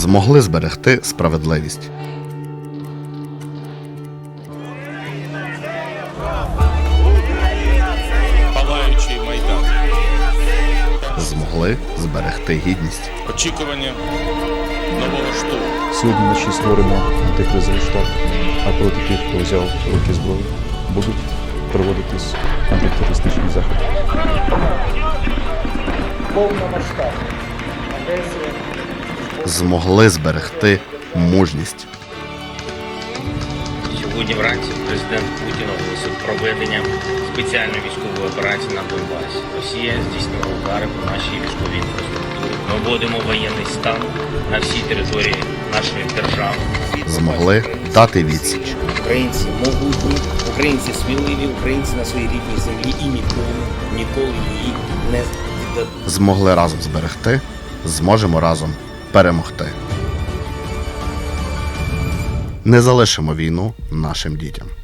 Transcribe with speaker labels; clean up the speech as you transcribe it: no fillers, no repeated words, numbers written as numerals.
Speaker 1: змогли зберегти справедливість.
Speaker 2: Палаючий Майдан.
Speaker 1: Змогли зберегти гідність.
Speaker 2: Очікування нового штурму.
Speaker 3: Сьогодні вночі створено антикризовий штаб, а проти тих, хто взяв в руки зброю, будуть проводитись антитерористичні заходи.
Speaker 4: Повномасштабна агресія.
Speaker 1: Змогли зберегти мужність.
Speaker 5: Сьогодні вранці президент Путін оголосив проведення спеціальної військової операції на Донбасі. Росія здійснила удари по нашій військовій інфраструктурі. Ми вводимо воєнний стан на всій території нашої держави.
Speaker 1: Змогли дати відсіч.
Speaker 5: Українці могутні, українці сміливі, українці на своїй рідній землі і ніколи її не віддадуть.
Speaker 1: Змогли разом зберегти, зможемо разом перемогти. Не залишимо війну нашим дітям.